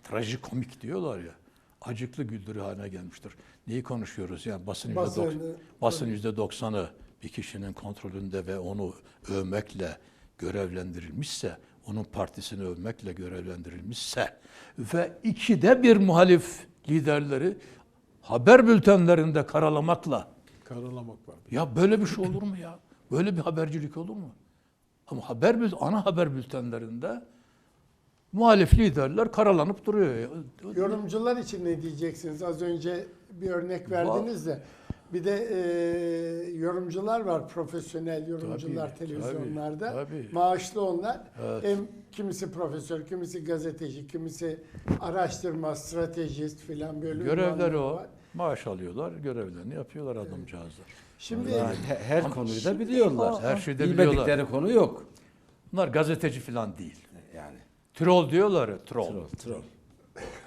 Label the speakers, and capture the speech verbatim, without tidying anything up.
Speaker 1: trajikomik diyorlar ya. Acıklı güldürü haline gelmiştir. Neyi konuşuyoruz? Yani basın
Speaker 2: Basını,
Speaker 1: yüzde doksan, basın yüzde doksanı bir kişinin kontrolünde ve onu övmekle görevlendirilmişse, onun partisini övmekle görevlendirilmişse ve ikide bir muhalif liderleri haber bültenlerinde karalamakla,
Speaker 2: Karalamak var.
Speaker 1: ya böyle bir şey olur mu ya? Böyle bir habercilik olur mu? Ama haber bül- ana haber bültenlerinde muhalif liderler karalanıp duruyor. ya.
Speaker 2: Yorumcular için ne diyeceksiniz? Az önce bir örnek verdiniz de. Bir de e, yorumcular var, profesyonel yorumcular
Speaker 1: Tabii,
Speaker 2: televizyonlarda.
Speaker 1: tabii, tabii.
Speaker 2: Maaşlı onlar.
Speaker 1: Evet.
Speaker 2: Hem kimisi profesör, kimisi gazeteci, kimisi araştırma, stratejist filan böyle
Speaker 1: Görevleri
Speaker 2: ünvanları
Speaker 1: o.
Speaker 2: var.
Speaker 1: Maaş alıyorlar, görevlerini yapıyorlar adamcağızlar.
Speaker 2: Şimdi
Speaker 3: Yani he- her konuyu da biliyorlar.
Speaker 1: Her şeyi de
Speaker 3: Bilmedikleri
Speaker 1: biliyorlar.
Speaker 3: konu yok.
Speaker 1: Bunlar gazeteci falan değil.
Speaker 3: Yani
Speaker 1: Troll diyorlar ya, troll.
Speaker 3: troll, troll.